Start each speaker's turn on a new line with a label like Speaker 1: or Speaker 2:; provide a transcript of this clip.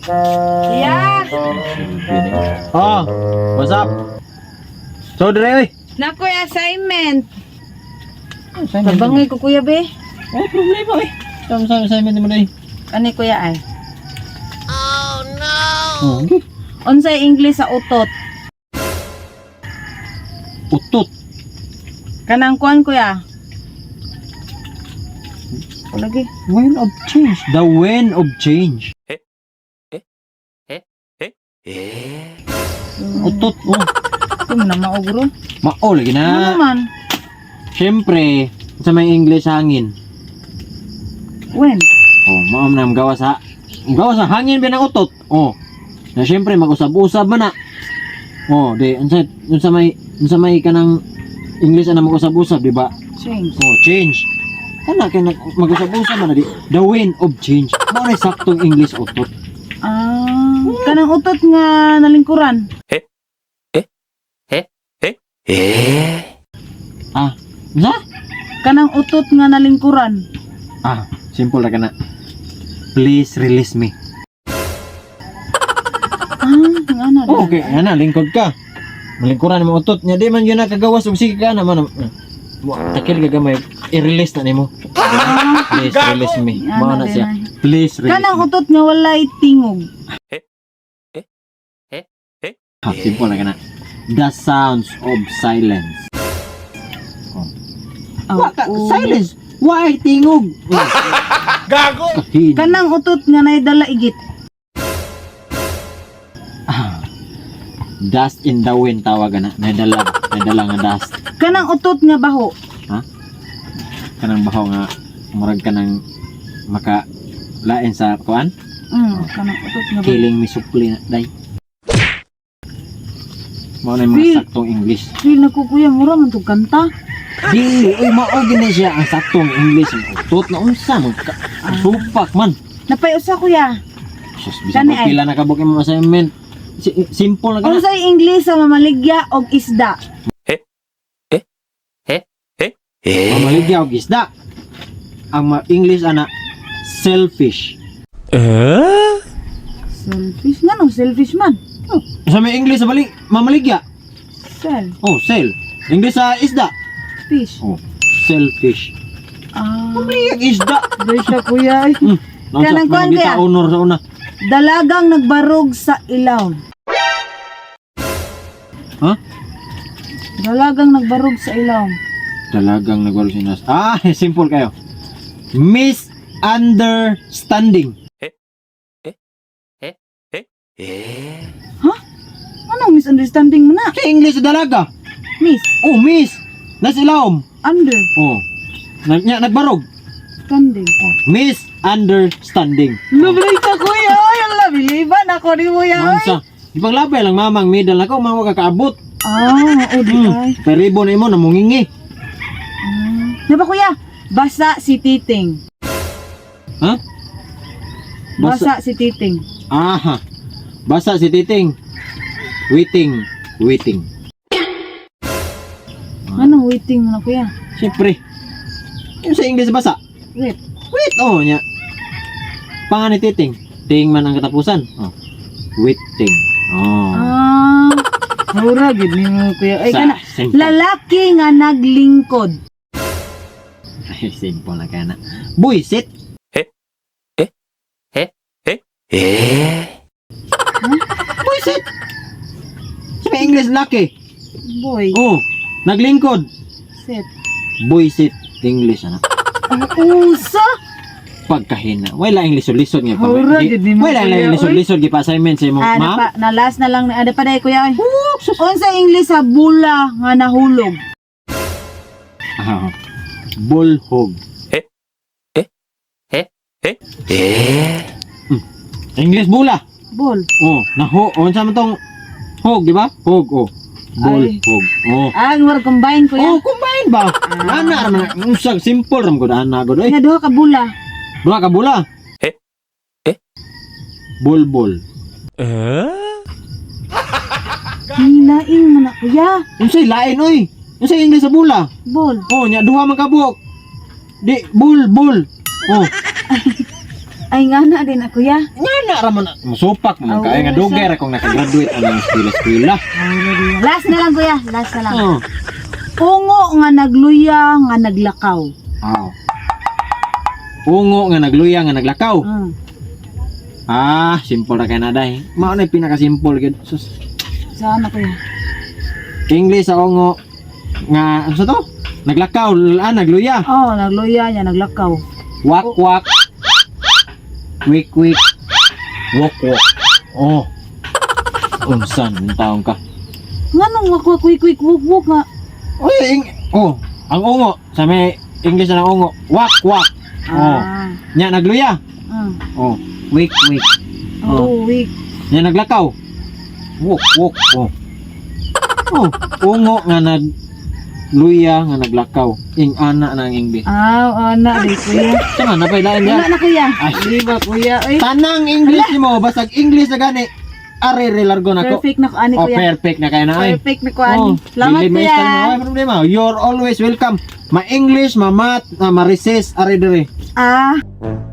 Speaker 1: Yeah.
Speaker 2: Oh, what's up? So, dire, oy.
Speaker 1: Nakoy assignment.
Speaker 2: Assignment.
Speaker 1: Tabangay ko kuya be.
Speaker 2: Oh, problema, oy. Saan sa assignment mo day?
Speaker 1: Ani kuya ay.
Speaker 2: Oh, okay.
Speaker 1: Unsay English sa utot?
Speaker 2: Utot.
Speaker 1: Kanang kuan kuya. Lagi.
Speaker 2: Wind of change. The wind of change. Utot, oh.
Speaker 1: Ito na maugro.
Speaker 2: Mao, lagi
Speaker 1: Ano
Speaker 2: na.
Speaker 1: naman?
Speaker 2: Siyempre, sa may English hangin.
Speaker 1: When?
Speaker 2: Oh, mao na gawa sa hangin ba ng utot. Oh. Na siyempre mag-usab-usab man na. Oh, di unsa may kanang English ana mag-usab-usab, di ba?
Speaker 1: Change.
Speaker 2: Oh, change. Kana kay mag-usab-usab man na di. The wind of change. Mao na saktong English utot.
Speaker 1: Kanang utot nga nalingkuran.
Speaker 2: Ah, na?
Speaker 1: Kanang utot nga nalingkuran.
Speaker 2: Ah, simple ra kana. Please release me.
Speaker 1: Nga na.
Speaker 2: Oh, okay, ana lingkod ka. Malingkuran mo utot nya di man yun nakagawas og sige ka naman. Takil ka gamay i-release na nimo. Please release me. Mao na siya. Please release.
Speaker 1: Kanang
Speaker 2: me.
Speaker 1: utot nga walay tingog.
Speaker 2: Ah, simple na kana. The sounds of silence. Silence. Why tingog?
Speaker 3: Gago!
Speaker 2: Kahin.
Speaker 1: Kanang utot nga naidala igit.
Speaker 2: Dust in the wind tawag na. Nadala nga dust.
Speaker 1: Kanang utot nga baho.
Speaker 2: Kanang bahaw nga murag kanang maka lain sa kuan.
Speaker 1: Kanang utot nga baho.
Speaker 2: Killing me supli na day. Mao na yung
Speaker 1: Feel-
Speaker 2: mga saktong English.
Speaker 1: Feel na ko kuya, mura man tong kanta.
Speaker 2: Dili, oy mao gini siya ang saktong English. Utot na unsa supak man.
Speaker 1: Napay usa kuya.
Speaker 2: Sus, bisan
Speaker 1: Kani
Speaker 2: ko
Speaker 1: ay.
Speaker 2: pila na kabuk imong assignment. Simple na kana.
Speaker 1: Unsay English sa mamaligya og isda?
Speaker 2: Mamaligya og isda. Ang English ana selfish.
Speaker 1: Selfish nga no, selfish man.
Speaker 2: Sa may English sa bali mamaligya.
Speaker 1: Sel,
Speaker 2: Oh, sel. English sa isda.
Speaker 1: fish.
Speaker 2: Oh, selfish. Mamaligya og isda.
Speaker 1: Bersya kuya. Ay. Kanang kuan
Speaker 2: Kita
Speaker 1: kaya?
Speaker 2: honor sa una.
Speaker 1: Dalagang nagbarog sa ilaw.
Speaker 2: Ha?
Speaker 1: Dalagang nagbarog sa ilaw.
Speaker 2: Talagang nagwalo sinas. Ah, simple kayo. Misunderstanding.
Speaker 1: Anong misunderstanding mo na?
Speaker 2: Sa English sa dalaga.
Speaker 1: Miss,
Speaker 2: Oh, miss. Nasilawom.
Speaker 1: under,
Speaker 2: Oh. Nagbarog.
Speaker 1: standing.
Speaker 2: Misunderstanding.
Speaker 1: Lubay ka kuya. Ay, ang labiliban ako ni mo yan.
Speaker 2: Mansa. Ipaglabay lang mamang middle na ko, mga kakaabot.
Speaker 1: O di ay.
Speaker 2: Peribo na imo, namungingi.
Speaker 1: Diba kuya? Basa si Titing.
Speaker 2: Ha?
Speaker 1: Basa si Titing.
Speaker 2: Aha. Basa si Titing. Waiting.
Speaker 1: Anong waiting mo na kuya?
Speaker 2: Siyempre. Yung sa English basa.
Speaker 1: Wait.
Speaker 2: Wait, oh, nya. Pangan ni Titing. Ting man ang katapusan. Oh. Waiting. Oh.
Speaker 1: Mura gid ni mo kuya. Ay kana.
Speaker 2: Simple.
Speaker 1: Lalaki nga naglingkod.
Speaker 2: Ay, simple na kana. Buisit. Buisit. Sa may English laki.
Speaker 1: Boy.
Speaker 2: Oh. Naglingkod.
Speaker 1: Set.
Speaker 2: Buisit. English ana.
Speaker 1: Usa.
Speaker 2: Pagkahina. Wala ang lisod-lisod nga pa.
Speaker 1: Hura, gid ni mo,
Speaker 2: Wala
Speaker 1: kuya,
Speaker 2: ang lisod-lisod gi pa assignment sa imong ma'am.
Speaker 1: Na last na lang ada pa day kuya. Ay. Unsa English sa bula nga nahulog?
Speaker 2: Ah. Bulhog. English bula.
Speaker 1: Bol.
Speaker 2: Oh, unsa man tong hog, di ba? Hog, oh.
Speaker 1: Ay.
Speaker 2: Bulhog. Oh.
Speaker 1: Ang war combine kuya.
Speaker 2: Oh, combine ba? Ana ra man usag simple ram gud ana gud oy.
Speaker 1: Nga duha ka bula.
Speaker 2: Duha ka bula. Bulbul.
Speaker 1: Hinaing mo na kuya.
Speaker 2: Unsay lain oy? Unsay English sa bula?
Speaker 1: Bol.
Speaker 2: Oh, nya duha man ka buok. Di bul. Oh.
Speaker 1: Ay nga na din ako ya.
Speaker 2: Nga na raman musupak mo
Speaker 1: Oo,
Speaker 2: kaya nga dugay ra kung nakagraduate ang eskwela.
Speaker 1: Last na lang kuya, last na lang.
Speaker 2: Oh.
Speaker 1: Ungo nga nagluya nga naglakaw.
Speaker 2: Aw. Ungo nga nagluya nga naglakaw.
Speaker 1: Mm.
Speaker 2: Simple ra kay na day. Mao na pinaka simple gid. Sus.
Speaker 1: Saan ako ya?
Speaker 2: English sa ungo nga ano sa to? Naglakaw, nagluya.
Speaker 1: Oh, nagluya niya naglakaw.
Speaker 2: Wak wak. Wik wik. Wok wok. Oh. Unsan ang taong ka?
Speaker 1: Nganong wak quick wuk nga.
Speaker 2: Oy, ang ungo sa may English na ungo. Wak wak. Oh. Nya nagluya.
Speaker 1: Mm.
Speaker 2: Oh, wik wik.
Speaker 1: Oh, weak.
Speaker 2: Nya naglakaw. Wok wok. Oh. Oh, ungo nga nagluya nga naglakaw. Ing ana na ang English.
Speaker 1: Ana di kuya.
Speaker 2: Tama na pailain
Speaker 1: Wala
Speaker 2: ya.
Speaker 1: na kuya.
Speaker 2: Ay,
Speaker 1: Di ba kuya? Ay,
Speaker 2: tanang English mo, basag English na gani. Are re largo na ko.
Speaker 1: perfect na ko ani
Speaker 2: Oh,
Speaker 1: kuya.
Speaker 2: perfect na kayo na ay.
Speaker 1: Perfect na ko ani. Salamat
Speaker 2: dili may
Speaker 1: kuya.
Speaker 2: style mo, ay problema. You're always welcome. Ma English, ma math, ma recess, are dire.